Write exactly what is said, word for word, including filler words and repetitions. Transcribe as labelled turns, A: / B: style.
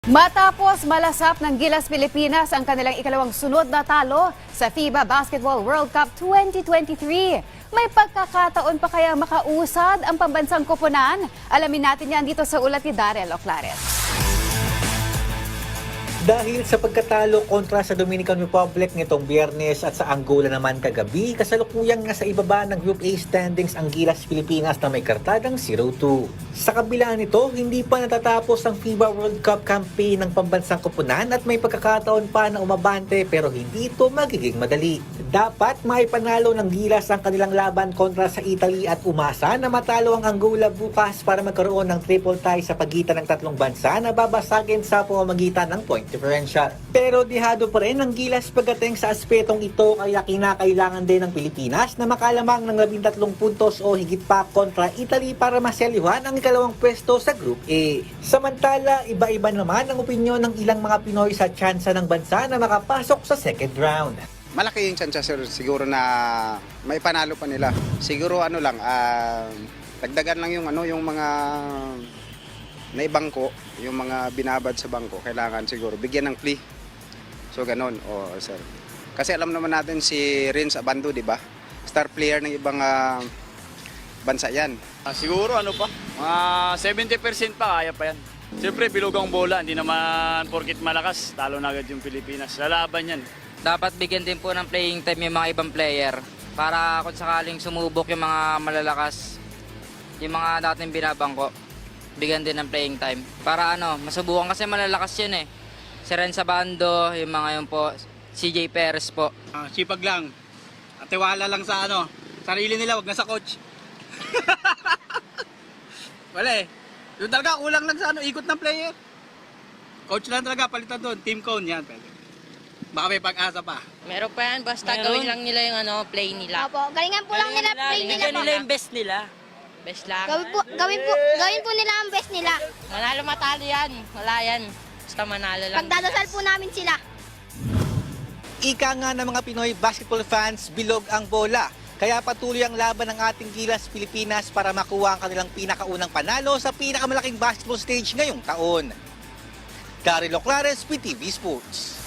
A: Matapos malasap ng Gilas Pilipinas ang kanilang ikalawang sunod na talo sa FIBA Basketball World Cup twenty twenty-three. May pagkakataon pa kaya makausad ang pambansang koponan? Alamin natin yan dito sa ulat ni Darrell Oclares.
B: Dahil sa pagkatalo kontra sa Dominican Republic nitong Biyernes at sa Angola naman kagabi, kasalukuyang nasa ibaba ng Group A standings ang Gilas Pilipinas na may kartadang zero two. Sa kabila nito, hindi pa natatapos ang FIBA World Cup campaign ng pambansang koponan at may pagkakataon pa na umabante pero hindi ito magiging madali. Dapat maipanalo ng Gilas ang kanilang laban kontra sa Italy at umasa na matalo ang Angola bukas para magkaroon ng triple tie sa pagitan ng tatlong bansa na babasagin sa pamamagitan ng point differential. Pero dihado pa rin ang Gilas pagdating sa aspetong ito kaya kinakailangan din ng Pilipinas na makalamang ng labintatlong puntos o higit pa kontra Italy para maselyuhan ang ikalawang pwesto sa Group A. Samantala, iba-iba naman ang opinyon ng ilang mga Pinoy sa tsansa ng bansa na makapasok sa second round.
C: Malaki yung chance sir, siguro na may panalo pa nila. Siguro ano lang, uh, dagdagan lang yung ano yung mga naibangko, yung mga binabad sa bangko, kailangan siguro bigyan ng plea. So ganon, oh sir. Kasi alam naman natin si Renz Abando, di ba? Star player ng ibang uh, bansa yan.
D: Ah, siguro ano pa, mga seventy percent pa kaya pa yan. Siyempre bilugang bola, hindi naman porkit malakas, talo na agad yung Pilipinas. Lalaban yan.
E: Dapat bigyan din po ng playing time yung mga ibang player para kung sakaling sumubok yung mga malalakas, yung mga dating binabangko, bigyan din ng playing time. Para ano, masubukan kasi malalakas yun eh. Si Renz Abando, yung mga yun po, C J Perez po.
F: Uh, sipag lang. At tiwala lang sa ano, sarili nila, wag na sa coach. Wala eh. Doon talaga, kulang lang sa ano, ikot ng player. Coach lang talaga, palitan doon. Team cone yan. Pwede. Baka may pag-asa pa.
G: Meron pa yan, basta
H: Meron.
G: gawin lang nila yung ano, play nila.
H: Opo, galingan po lang nila, play nila
G: Galingan
H: po.
G: nila yung best nila. Best lang.
H: Gawin po, gawin po, gawin po nila ang best nila.
G: Manalo matalo yan. Wala yan. Basta manalo lang.
H: Pagdadasal po namin sila.
B: Ika nga ng mga Pinoy basketball fans, bilog ang bola. Kaya patuloy ang laban ng ating Gilas Pilipinas para makuha ang kanilang pinakaunang panalo sa pinakamalaking basketball stage ngayong taon. Darrell Oclares, P T V Sports.